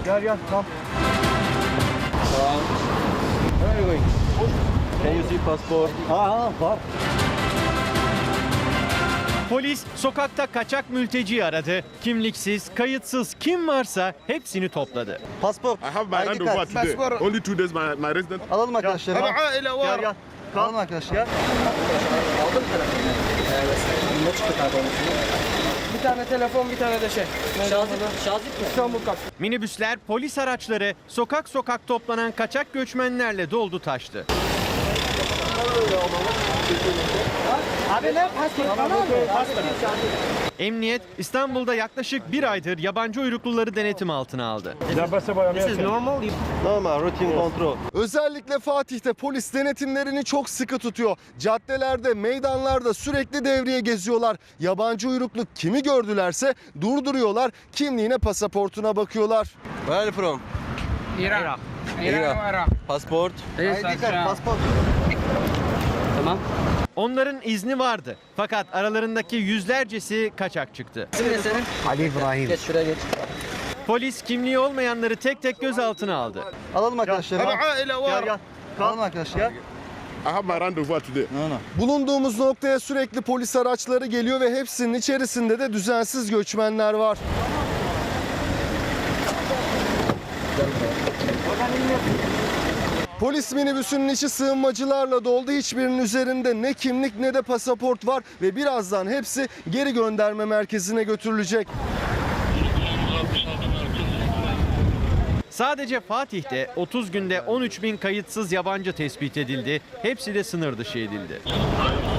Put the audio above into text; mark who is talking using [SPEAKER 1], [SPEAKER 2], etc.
[SPEAKER 1] Gel, come. Where are you going? Can you see passport? Var.
[SPEAKER 2] Polis sokakta kaçak mülteci aradı. Kimliksiz, kayıtsız kim varsa hepsini topladı.
[SPEAKER 1] Passport.
[SPEAKER 3] I have my handover today. Only 2 days my resident.
[SPEAKER 1] Alalım arkadaşlar. Gel. Alalım arkadaşlar.
[SPEAKER 4] Bir tane telefon, bir tane de şey. Şazip mi? İstanbul Kap.
[SPEAKER 2] Minibüsler, polis araçları sokak sokak toplanan kaçak göçmenlerle doldu taştı.
[SPEAKER 4] Abi ne? Pastor.
[SPEAKER 2] Emniyet İstanbul'da yaklaşık bir aydır yabancı uyrukluları denetim altına aldı.
[SPEAKER 4] This is normal.
[SPEAKER 1] Normal, rutin kontrol.
[SPEAKER 5] Özellikle Fatih'te polis denetimlerini çok sıkı tutuyor. Caddelerde, meydanlarda sürekli devriye geziyorlar. Yabancı uyruklu kimi gördülerse durduruyorlar, kimliğine, pasaportuna bakıyorlar.
[SPEAKER 1] Where are you from?
[SPEAKER 4] İran.
[SPEAKER 1] Passport.
[SPEAKER 4] ID card,
[SPEAKER 1] Passport.
[SPEAKER 4] Tamam.
[SPEAKER 2] Onların izni vardı fakat aralarındaki yüzlercesi kaçak çıktı.
[SPEAKER 4] İsim ne senin?
[SPEAKER 1] Ali İbrahim.
[SPEAKER 4] Geç şuraya geç.
[SPEAKER 2] Polis kimliği olmayanları tek tek gözaltına aldı.
[SPEAKER 1] Alalım arkadaşlar. Gel. Alalım arkadaşlar.
[SPEAKER 3] I have my handover today.
[SPEAKER 5] Bulunduğumuz noktaya sürekli polis araçları geliyor ve hepsinin içerisinde de düzensiz göçmenler var. Polis minibüsünün içi sığınmacılarla doldu. Hiçbirinin üzerinde ne kimlik ne de pasaport var ve birazdan hepsi geri gönderme merkezine götürülecek.
[SPEAKER 2] Sadece Fatih'te 30 günde 13.000 kayıtsız yabancı tespit edildi. Hepsi de sınır dışı edildi.